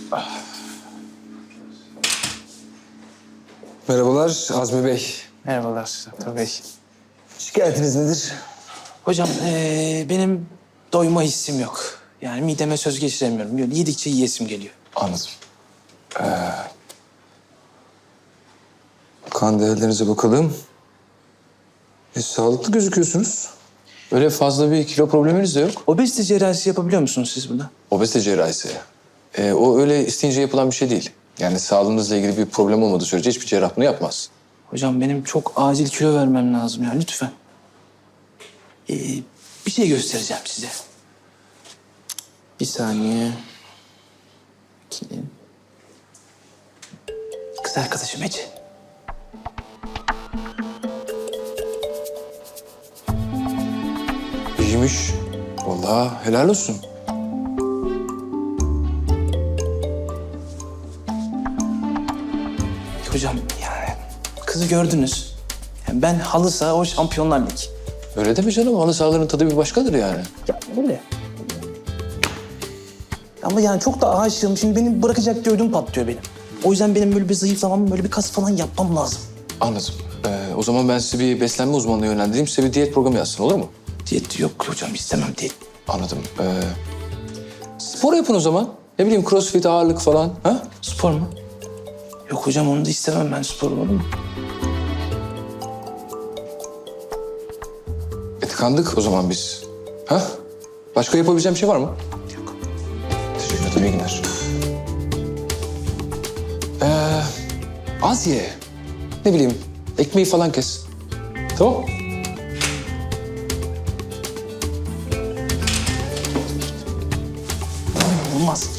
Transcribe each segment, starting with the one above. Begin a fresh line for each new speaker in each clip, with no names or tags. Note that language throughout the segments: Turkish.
Merhabalar Azmi Bey.
Merhabalar doktor bey.
Şikayetiniz nedir?
Hocam benim doyma hissim yok. Yani mideme söz geçiremiyorum. Böyle yedikçe yiyesim geliyor.
Anladım. Kan değerlerinize bakalım. Sağlıklı gözüküyorsunuz. Öyle fazla bir kilo probleminiz de yok.
Obezite cerrahisi yapabiliyor musunuz siz burada?
Obezite cerrahisi. O öyle isteyince yapılan bir şey değil. Yani sağlığınızla ilgili bir problem olmadığı sürece hiçbir cerrah bunu yapmaz.
Hocam benim çok acil kilo vermem lazım ya lütfen. Bir şey göstereceğim size. Bir saniye. Bakayım. Kız arkadaşım Ece.
İyiymiş. Vallahi helal olsun.
Hocam yani kızı gördünüz. Yani ben halı saha, o Şampiyonlar Ligi.
Öyle deme canım. Halı sahaların tadı bir başkadır yani.
Ya öyle. Ama yani çok da aşığım. Şimdi beni bırakacak diye ödüm patlıyor benim. O yüzden benim böyle bir zayıflamam, böyle bir kas falan yapmam lazım.
Anladım. O zaman ben sizi bir beslenme uzmanına yönlendireyim. Size bir diyet programı yazsın, olur mu?
Diyet yok hocam, istemem diyet.
Anladım. Spor yapın o zaman. Ne bileyim crossfit, ağırlık falan. Ha?
Spor mu? Yok hocam, onu da istemem ben, spor olur mu?
Tıkandık o zaman biz. Ha? Başka yapabileceğim bir şey var mı?
Yok.
Teşekkür ederim. İyi günler. Az ye. Ne bileyim ekmeği falan kes. Tamam.
Olmaz.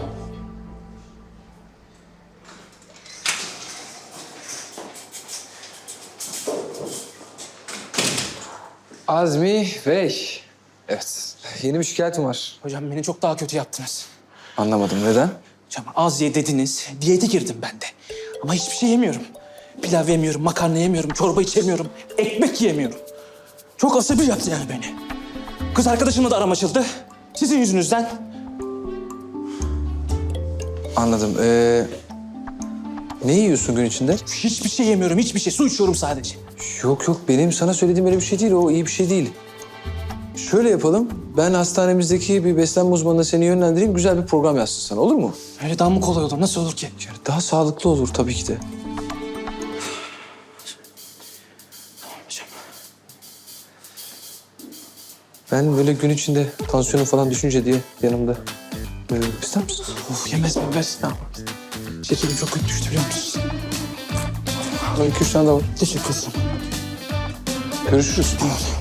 Azmi Bey. Evet. Yeni bir şikayetim var.
Hocam beni çok daha kötü yaptınız.
Anlamadım. Neden?
Hocam az ye dediniz, diyete girdim ben de. Ama hiçbir şey yemiyorum. Pilav yemiyorum, makarna yemiyorum, çorba içemiyorum, ekmek yiyemiyorum. Çok asabi yaptı yani beni. Kız arkadaşımla da aram açıldı. Sizin yüzünüzden.
Anladım. Ne yiyorsun gün içinde?
Hiçbir şey yemiyorum, hiçbir şey. Su içiyorum sadece.
Yok benim sana söylediğim öyle bir şey değil. O iyi bir şey değil. Şöyle yapalım. Ben hastanemizdeki bir beslenme uzmanına seni yönlendireyim. Güzel bir program yazsın sana, olur mu?
Öyle daha mı kolay olur? Nasıl olur ki?
Yani daha sağlıklı olur tabii ki de.
Hocam.
Ben böyle gün içinde tansiyonum falan düşünce diye yanımda. İster misin?
Of, yemez mi? Ver. Ne yapalım? Şekerim çok kötü düştü biliyor musun?
2-3 tane daha var.
Teşekkür ederim.
Görüşürüz.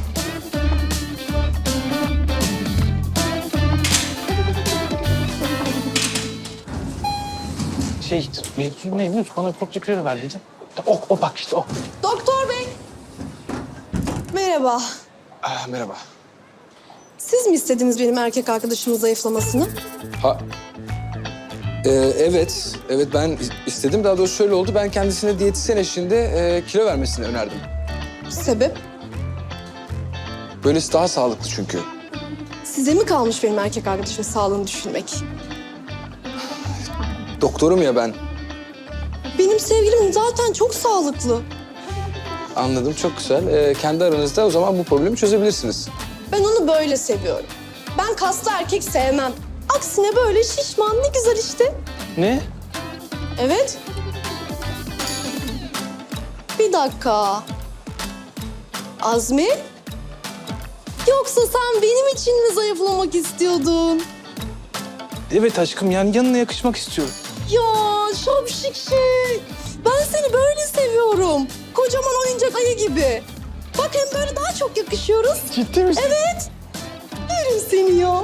Mevzu neymiş? Bana çok kilo verdiydi. O bak işte o.
Doktor bey. Merhaba.
Merhaba.
Siz mi istediniz benim erkek arkadaşımın zayıflamasını?
Evet ben istedim. Daha doğrusu şöyle oldu. Ben kendisine diyetisyen eşliğinde kilo vermesini önerdim.
Sebep?
Böylesi daha sağlıklı çünkü.
Size mi kalmış benim erkek arkadaşımın sağlığını düşünmek?
Doktorum ya ben.
Benim sevgilim zaten çok sağlıklı.
Anladım, çok güzel. Kendi aranızda o zaman bu problemi çözebilirsiniz.
Ben onu böyle seviyorum. Ben kaslı erkek sevmem. Aksine böyle şişman, ne güzel işte.
Ne?
Evet. Bir dakika. Azmi? Yoksa sen benim için mi zayıflamak istiyordun?
Evet aşkım, yani yanına yakışmak istiyorum.
Ya şapşik şey. Ben seni böyle seviyorum. Kocaman oyuncak ayı gibi. Bak hem böyle daha çok yakışıyoruz.
Ciddi misin?
Evet. Yerim seni ya.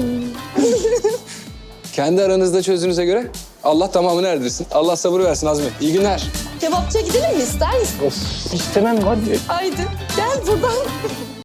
Kendi aranızda çözdüğünüze göre Allah tamamını erdirsin. Allah sabır versin Azmi. İyi günler.
Kebapçıya gidelim mi, ister misin?
Of, istemem hadi.
Haydi gel buradan.